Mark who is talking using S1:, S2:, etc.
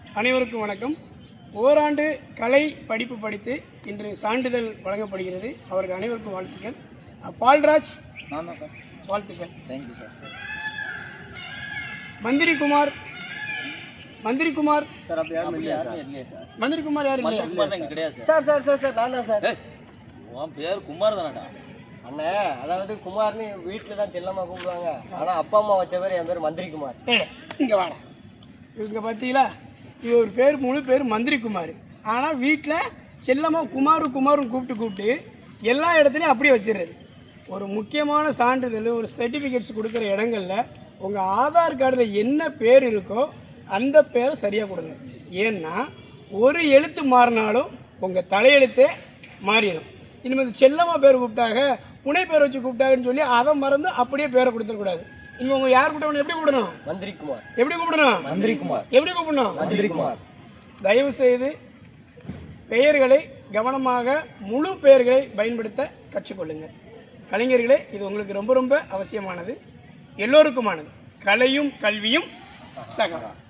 S1: அனைவருக்கும் வணக்கம். ஓராண்டு கலை படிப்பு படித்து இன்று சான்றிதழ் வழங்கப்படுகிறது. அவருக்கு அனைவருக்கும் வாழ்த்துக்கள். பால்ராஜ்
S2: சார்
S1: வாழ்த்துக்கள்.
S2: Thank you sir.
S1: மந்திரிகுமார்
S2: சார் அப்படி யாரும் இல்லையா சார்?
S1: மந்திரிகுமார் யாரும் இல்லையா?
S2: குமார் தான் கிடையாது
S3: சார் சார் சார் சார் நான் தான் சார்.
S2: உன் பேர் குமார் தானடா?
S3: அண்ணே, அதாவது குமார்னு வீட்டில் தான் செல்லம்மா கூப்பிடுவாங்க. ஆனால் அப்பா அம்மா வச்ச பேர் என் பேர் மந்திரிகுமார்.
S1: இங்கே வாடா. இவங்க பார்த்தீங்களா, இவர் பேர் முழு பேர் மந்திரிகுமார். ஆனால் வீட்டில் செல்லமாக குமாரும் கூப்பிட்டு எல்லா இடத்துலையும் அப்படியே வச்சிடுறது. ஒரு முக்கியமான சான்றிதழ், ஒரு சர்டிஃபிகேட்ஸ் கொடுக்குற இடங்களில் உங்கள் ஆதார் கார்டில் என்ன பேர் இருக்கோ அந்த பேரை சரியாக கொடுங்க. ஏன்னா ஒரு எழுத்து மாறினாலும் உங்கள் தலையெழுத்தே மாறிடும். இனிமேல் செல்லமாக பேர் கூப்பிட்டாங்க, புனை பேர் வச்சு கூப்பிட்டாங்கன்னு சொல்லி அதை மறந்து அப்படியே பேரை கொடுத்துடக்கூடாது. இனிமேல் உங்கள் யார் கூப்பிட்டவங்க எப்படி கூப்பிடணும்?
S3: மந்திரிகுமார்.
S1: எப்படி கூப்பிடணும்?
S3: மந்திரிகுமார்.
S1: எப்படி கூப்பிடணும்?
S3: மந்திரிகுமார்.
S1: தயவு செய்து பெயர்களை கவனமாக முழு பெயர்களை பயன்படுத்த கற்றுக்கொள்ளுங்கள். கலைஞர்களே, இது உங்களுக்கு ரொம்ப ரொம்ப அவசியமானது, எல்லோருக்குமானது. கலையும் கல்வியும் சகா.